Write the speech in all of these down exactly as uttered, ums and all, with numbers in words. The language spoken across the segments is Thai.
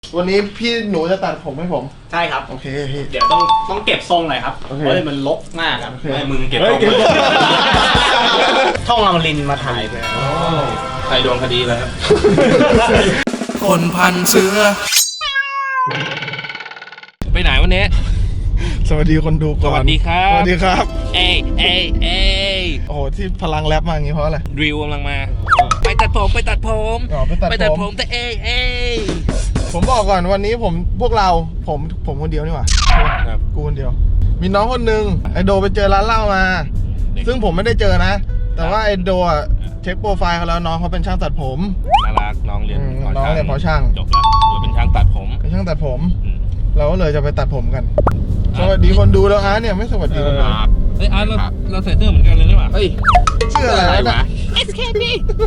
วันนี้พี่หนูจะตัดผมให้ผมใช่ครับโอเคพี่เดี๋ยวต้องต้องเก็บทรงหน่อยครับเพราะมันลกมากครับให้มึงเก็บทรงช่องอมรินทร์มาถ่ายไปใครโดนคดีแล้วคนพันเสือไปไหนวันนี้สวัสดีคนดูก่อนสวัสดีครับสวัสดีครับเอ้เอ้เอ้โอ้โหที่พลังแรปมาอย่างงี้เพราะอะไรดริวกำลังมาไปตัดผมไปตัดผมอ๋อไปตัดผมไปตัดผมแต่เอ้เอ้ผมบอกก่อนวันนี้ผมพวกเราผมผมคนเดียวนี่หว่าครับกูคนเดียวมีน้องคนนึงไอโดไปเจอร้านเหล้ามาซึ่งผมไม่ได้เจอนะแต่ว่าไอโดอ่ะเช็คโปรไฟล์เขาแล้วน้องเขาเป็นช่างตัดผมน่ารักน้องเรียนน้องเรียนพอช่างจบแล้วโดยเป็นช่างตัดผมเป็นช่างตัดผมเราก็เลยจะไปตัดผมกันสวัสดีคนดูแล้วอาร์ตเนี่ยไม่สวัสดีคนดูเฮ้ยอาร์ตเราเราใส่เสื้อเหมือนกันเลยนี่หว่าเฮ้ยเสื้ออะไรวะเอส เค บี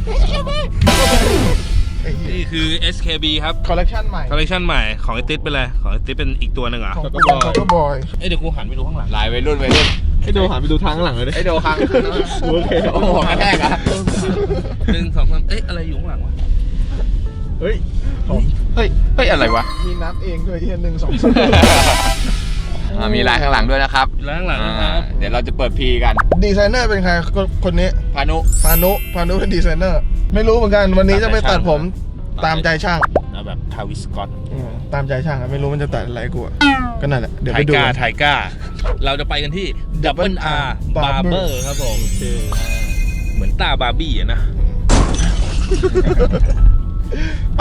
นี่คือ เอส เค บี ครับคอลเลคชันใหม่คอลเลคชันใหม่ของไอติ๊ดเป็นอะไรของไอติ๊ดเป็นอีกตัวหนึ่งเหรอของก็บอยก็บอยเอ้ยเดี๋ยวกูหันไปดูข้างหลังลายวัยรุ่นวัยรุ่นให้ดูหันไปดูทางข้างหลังเลยดิให้ดูทางโอเคโอ้โหกระแทกอ่ะหนึ่งสองสามเอ๊ะอะไรอยู่ข้างหลังวะเฮ้ยเฮ้ยเฮ้ยอะไรวะมีนับเองด้วยที่หนึ่งสองสามมีลายข้างหลังด้วยนะครับลายข้างหลังนะครับเดี๋ยวเราจะเปิดพีกันดีไซเนอร์เป็นใครคนนี้พานุพานุพานุเป็นดีไซเนอร์ไม่รู้เหมือนกันวันนี้จะไปตัดผมตามใจช่างแบบทาวิสกอตตามใจช่างไม่รู้มันจะตัดอะไรกูก็นั่นแหละเดี๋ยวไปดูไทก้าไทก้าเราจะไปกันที่ ดับเบิลอาร์ บาร์เบอร์ ครับผมเหมือนตาบาร์บี้อะนะไป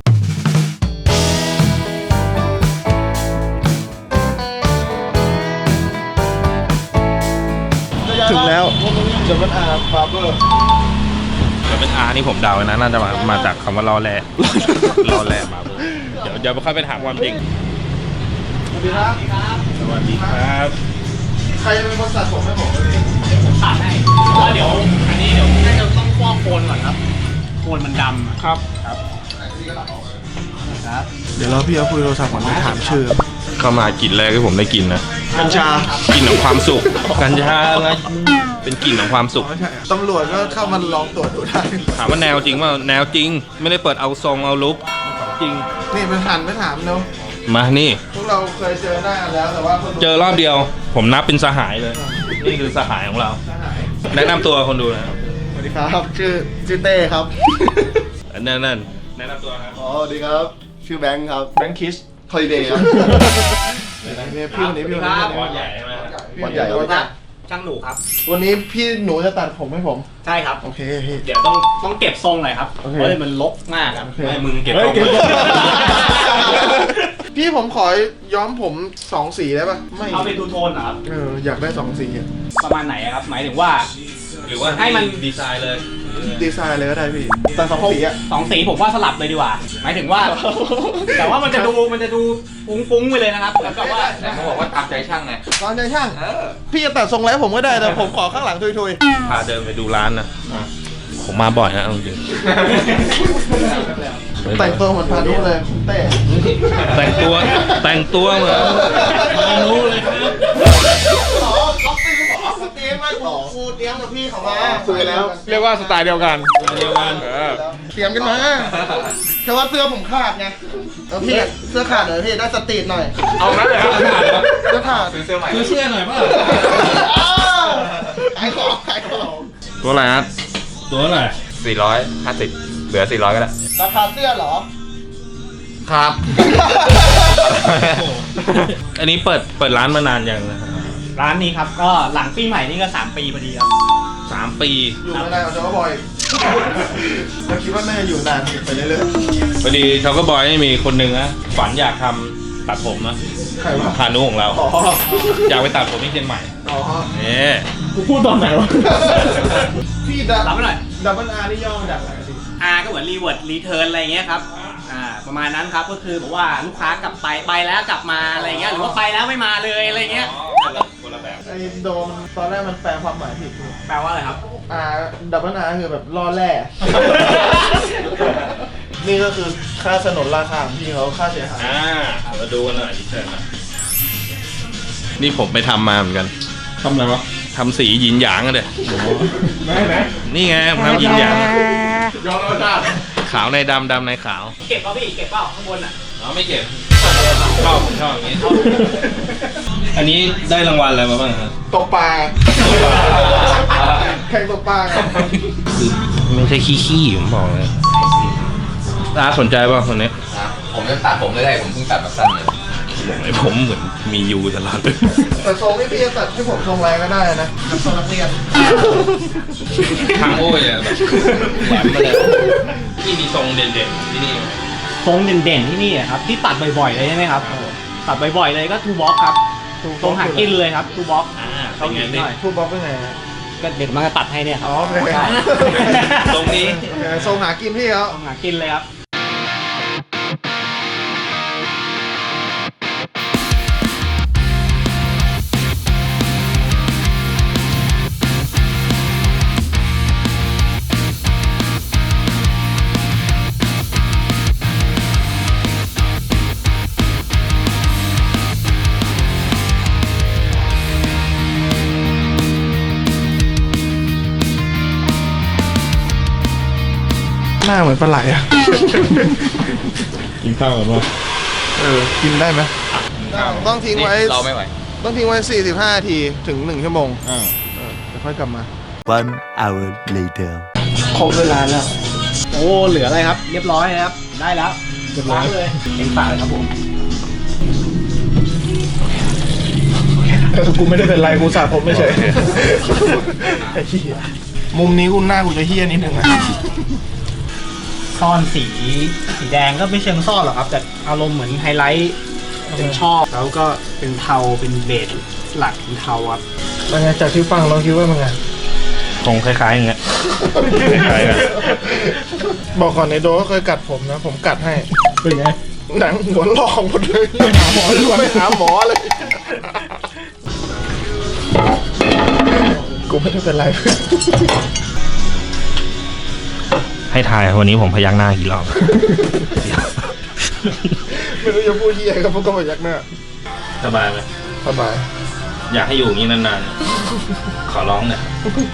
ถึงแล้วดับเบิลอาร์ บาร์เบอร์ดับเบิลอาร์นี่ผมเดานะน่าจะมามาจากคำว่ารอแร่รอแร่บาร์เบอร์เดี๋ยวเดี๋ยวไปค่อยไปถามความจริงสวัสดีครับสวัสดีครับใครเป็นคนตัดผมให้ผมวันนี้ผมตัดให้เพราะเดี๋ยวอันนี้เดี๋ยวน่าจะต้องฟอกโคนก่อนครับโคนมันดำครับครับครับ เดี๋ยวเราพี่เอาคุยโทรศัพท์ก่อนไปถามชื่อเข้ามากลิ่นแรกที่ผมได้กลิ่นนะกัญชากลิ่นของความสุขกัญชาไงเป็นกลิ่นของความสุขตำรวจก็เข้ามาลองตรวจดูได้ถามว่าแนวจริงว่าแนวจริงไม่ได้เปิดเอาทรงเอาลุกจริงนี่ไปหันไปถามเนาะมานี่พวกเราเคยเจอหน้าแล้วแต่ว่าเจอรอบเดียวผมนับเป็นสหายเลยนี่คือสหายของเราแนะนำตัวคนดูนะสวัสดีครับชื่อชื่อเต้ครับนั่นนั่นแนะนำตัวครับอ๋อสวัสดีครับชื่อแบงค์ครับแบงค์คิสฮอลิเดย์ครับพี่วันนี้พี่วันนี้วันใหญ่ใช่ไหมวันใหญ่ครับช่างหนูครับวันนี้พี่หนูจะตัดผมให้ผมใช่ครับโอเคพี่เดี๋ยวต้องต้องเก็บทรงหน่อยครับเพราะมันลกมากครับให้มึงเก็บทรงพี่ผมขอย้อมผมสองสีได้ป่ะไม่เอาเป็นทูโทนเหรอครับเอออยากได้สองสีประมาณไหนครับหมายถึงว่าหรือว่าให้มันดีไซน์เลยดีไซน์เลยก็ได้พี่แต่สองสีอะสองสีผมว่าสลับเลยดีกว่าหมายถึงว่าแต่ว่ามันจะดูมันจะดูฟุ้งๆไปเลยนะครับแล้วก็ว่าแต่เขาบอกว่าตามใจช่างไงตามใจช่างพี่จะตัดทรงแล้วผมก็ได้แต่ผมขอข้างหลังทุยๆพาเดินไปดูร้านนะผมมาบ่อยนะจริงแต่งตัวเหมือนพานุเลยเต้แต่งตัวแต่งตัวเหมือนพานุเลยครับเขาเป็นหมอเตรียมมาครูเตรียมกับพี่เขามาคุยแล้วเรียกว่าสไตล์เดียวกันเดียวกันเตรียมกันมาแค่ว่าเสื้อผมขาดไงแล้วพี่เสื้อขาดหน่อยพี่ได้สตรีทหน่อยเอางั้นเลยครับเสื้อขาดซื้อเสื้อใหม่ซื้อเสื้อหน่อยป่ะขายของขายของตัวอะไรฮะตัวอะไรสี่ร้อยห้าสิบเหลือสี่ร้อยก็ได้ราคาเสื้อเหรอครับอันนี้เปิดเปิดร้านมานานยังนะร้านนี้ครับก็หลังปีใหม่นี่ก็สามปีพอดีครับสามปีอยู่ไม่ได้กับเจ้าบอยเราคิดว่าน่าจะอยู่นานไปเรื่อยๆพอดีเขาก็บอยมีคนหนึ่งนะฝันอยากทำตัดผมนะใครวะพานุของเราอยากไปตัดผมที่เชียงใหม่อ๋อเนี่ยกูพูดตอนไหนวะพี่ดับรับไม่หน่อยดับเบิลอาร์นี่ย่อมาจากอะไรพี่อาร์ก็เหมือนรีเวิร์ดรีเทิร์นอะไรเงี้ยครับอ่าประมาณนั้นครับก็คือบอกว่าลูกค้ากลับไปไปแล้วกลับมาอะไรเงี้ยหรือว่าไปแล้วไม่มาเลยอะไรเงี้ยคนละแบบไอ้โดมตอนแรกมันแปลความหมายผิดแปลว่าอะไรครับอ่าดับเบิลอาร์คือแบบล่อแร่นี่ก็คือค่าสนนราคาของพี่เขาค่าเสียหายอ่ามาดูกันหน่อยดิเชิญนะนี่ผมไปทำมาเหมือนกันทำอะไรวะทำสีหยินหยางกันเลยไหนไหนนี่ไงทำหยินหยางย้อนรสชาติขาวในดำดำในขาวเก็บเปล่าพี่เก็บเปล่าข้างบนอ่ะอ๋อไม่เก็บชอบผมชอบอย่างนี้อันนี้ได้รางวัลอะไรมาบ้างครับตกปลาแข่งตกปลาไงคือไม่ใช่ขี้ขี้ผมบอกเลยร้านสนใจป่ะคนนี้ผมจะตัดผมไม่ได้ผมเพิ่งตัดแบบสั้นเลยไอผมเหมือนมียูตลอดเลยแต่ทรงที่พี่จะตัดให้ผมทรงอะไรก็ได้นะทรงนักเรียนทางโอ้ยอะแบบแหลมมาเลยที่มีทรงเด่นๆที่นี่ทรงเด่นๆที่นี่อะครับที่ตัดบ่อยๆเลยใช่ไหมครับตัดบ่อยๆเลยก็ทูบ็อกครับทรงหากินเลยครับทูบ็อกอ่าเขาหนีหน่อยพูดบล็อกเป็นไงฮะก็เด็กมันก็ตัดให้เนี่ยครัอ๋บอโอเคใช่ตรงนี้โอเคทรงหากินพี่เขาทรงหากินเลยครับหน้าเหมือนปลาไหลอ่ะกินข้าวกันป่ะเออ กินได้ไหมต้องทิ้งไว้เราไม่ไหวต้องทิ้งไว้ สี่สิบห้า นาทีถึง หนึ่ง ชั่วโมงอ่าเออเดี๋ยวค่อยกลับมา One hour later. ครบเวลาแล้วโอ้เหลืออะไรครับ เรียบร้อยนะครับได้แล้วเรียบร้อยเลยเอ็งฝากเลยครับผมเออกูไม่ได้เป็นไรกูสาผมไม่เฉยไอ้เหี้ยมุมนี้กูหน้ากูจะเฮี้ยนิดนึงอ่ะซ่อนสีสีแดงก็ไม่เชิงซ่อนหรอกครับ แต่อารมณ์เหมือนไฮไลท์เป็นชอบแล้วก็เป็นเทาเป็นเบสหลักเป็นเทาครับแล้วไงจากที่ฟังเราคิดว่ามันไงคงคล้ายๆอย่างเงี้ย คล้ายๆกันบอกก่อนในโดก็เคยกัดผมนะ ผมกัดให้เป็นไงหนังหัวลอกหมดเลยไปหาหมอเลยไปหาหมอเลย กูไม่ได้เป็นไรให้ทายวันนี้ผมพยักหน้ากี่รอบไม่รู้จะพูดที่ไหนก็พวกก็มายักหน้าสบายไหมสบายอยากให้อยู่อย่างนี้นานๆ ขอร้องหน่อย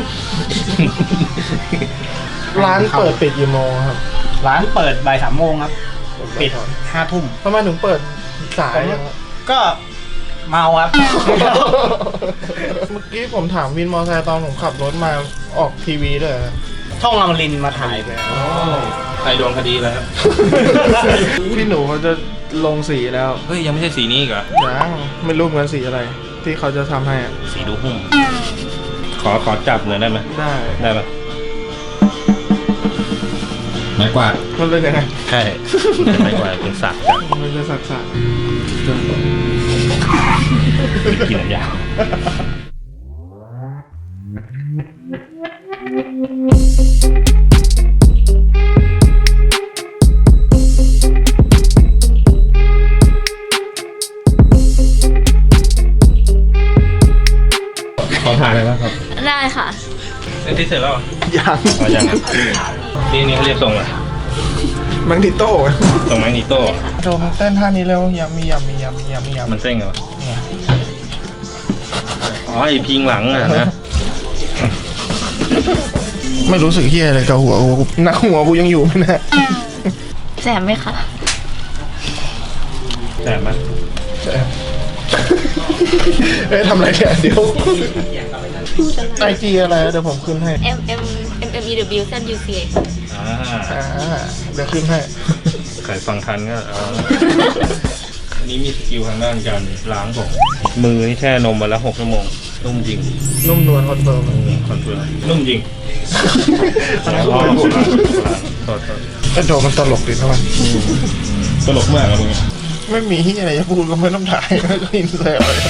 ร้านเปิดปิดกี่โมงครับร้านเปิดบ่ายสามโมงครับปิดห้าทุ่มทำไมถึงเปิดสายอะก็เมาครับเมื่อกี้ผมถามวินมอเตอร์ไซค์ตอนผมขับรถมาออกทีวีด้วยเหรอช่องอมรินทร์มาถ่ายไปใครโดนคดีแล้วครับพี่หนูเขาจะลงสีแล้วเฮ้ย ยังไม่ใช่สีนี้อีกเหรอยังไม่รู้เหมือนกันสีอะไร ที่เขาจะทำให้อะสีดูหุ้ม ขอขอจับหน่อยได้ไหมได้ได้ปะไม้กวาดมันเป็นยังไงใช่เป็นไม้กวาดเป็นสักจับมันจะสักสักกินอะไรยาว ขอถ่ายเลยนะครับได้ค่ะเซ็นที่เสร็จแล้วเหรอยังอ๋อยังอ่ะนี่นี่เขาเรียกทรงอะไรมังดิโต้ทรงแมกนิโต้โดมเต้นท่านี้เร็วยำมียำมียำมียำมียำมันเส้งเหรออ๋อไอพิงหลังอ่ะนะไม่รู้สึกเฮียอะไรกับหัวกูหนักหัวกูยังอยู่ไหมเนี่ยแสบไหมคะแสบไหมเอ้ยทำอะไรเนี่ยเดี๋ยวไอจีอะไรเดี๋ยวผมขึ้นให้ M M M M E W Z U C อ่าอ่าเดี๋ยวขึ้นให้ใครฟังทันก็เอาอันนี้มีสกิลทางด้านการล้างผมมือนี่แช่นมมาแล้วหกชั่วโมง นุ่มจริงนุ่มนวลคอนเฟิร์มคอนเฟิร์มนุ่มจริงแล้วก็อ๋อไปพูดโทษโทษไอโดมันตลกดีนะมันตลกมากอะมึงไม่มีที่อะไรจะพูดก็ไม่ต้องถ่ายไม่ต้องอินเสิร์ตอะไร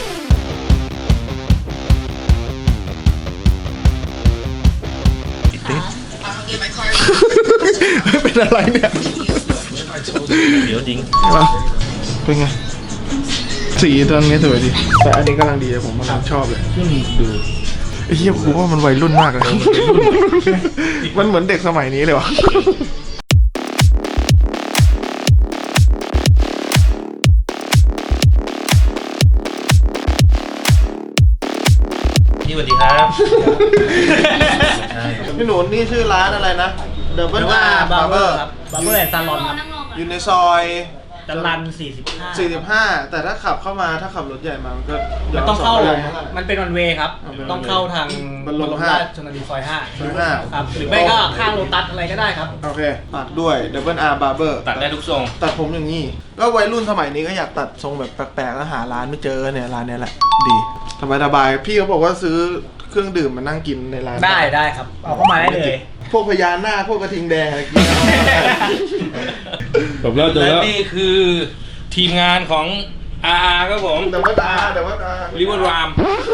เป็นอะไรเนี่ยเดี๋ยวจริงเป็นไง สีตอนนี้สวยดี แต่อันนี้กำลังดีผมกำลังชอบเลยดูไอ้เหี้ยกูว่ามันวัยรุ่นมากเลย มันเหมือนเด็กสมัยนี้เลยวะพี่สวัสดีครับพี่หนูนี่ชื่อร้านอะไรนะ เดอะเบิลอาร์บาร์เบอร์บาร์เบอร์แอนด์ซาลอนครับอยู่ในซอยจะรันสี่สิบห้าสี่สิบห้าแต่ถ้าขับเข้ามาถ้าขับรถใหญ่มามันก็มันต้องเข้าย้นสนมันเป็นวันเวย์ครับอ๋อเป็นต้องเข้าทางบรมราชชนนีซอยห้าซอยห้าครับ หรือไม่ก็ข้างโลตัสอะไรก็ได้ครับโอเคฝากด้วย Double R Barber ตัดได้ทุกทรงตัดผมอย่างนี้ ก็วัยรุ่นสมัยนี้ก็อยากตัดทรงแบบแปลกๆแล้วหาร้านไม่เจอเนี่ยร้านเนี้ยแหละ ดีสบายๆพี่เขาบอกว่าซื้อเครื่องดื่มมานั่งกินในร้านได้ได้ครับ เอาเข้ามาได้เลยพวกพญานาคพวกกระทิงแดงอะไรกินจบแล้วจบแล้วนี่คือทีมงานของ อาร์ อาร์ ครับผมเดี๋ยวว่าตาเดี๋ยวว่าตาริเวอร์ราม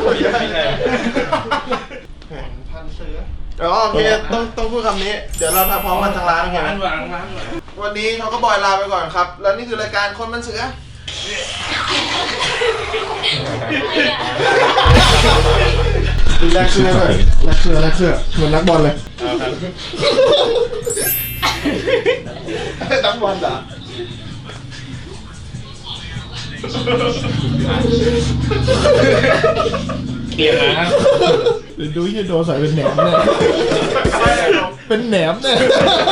พันเสืออ๋อโอเคต้องต้องพูดคำนี้ เดี๋ยวเราทำพร้อมกันทางร้านโอเคไหมร้านวางร้านวางวันนี้เขาก็บอยลาไปก่อนครับ แล้วนี่คือรายการคนมันเสือแลกเสื้อเลยแลกเสื้อแลกเสื้อเหมือนนักบอลเลยนักบอลเหรอเปลี่ยนนะครับเดี๋ยวดูยี่โดใส่เป็นแหนมเนี่ยเป็นแหนมเนี่ย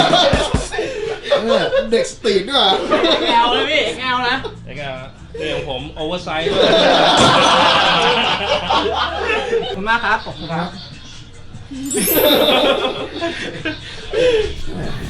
เนี่ยเด็กสตรีทด้วยแงวเลยพี่แงวนะไอ้กาเรื่องผมโอเวอร์ไซส์ด้วยขอบคุณมากครับ ขอบคุณครับ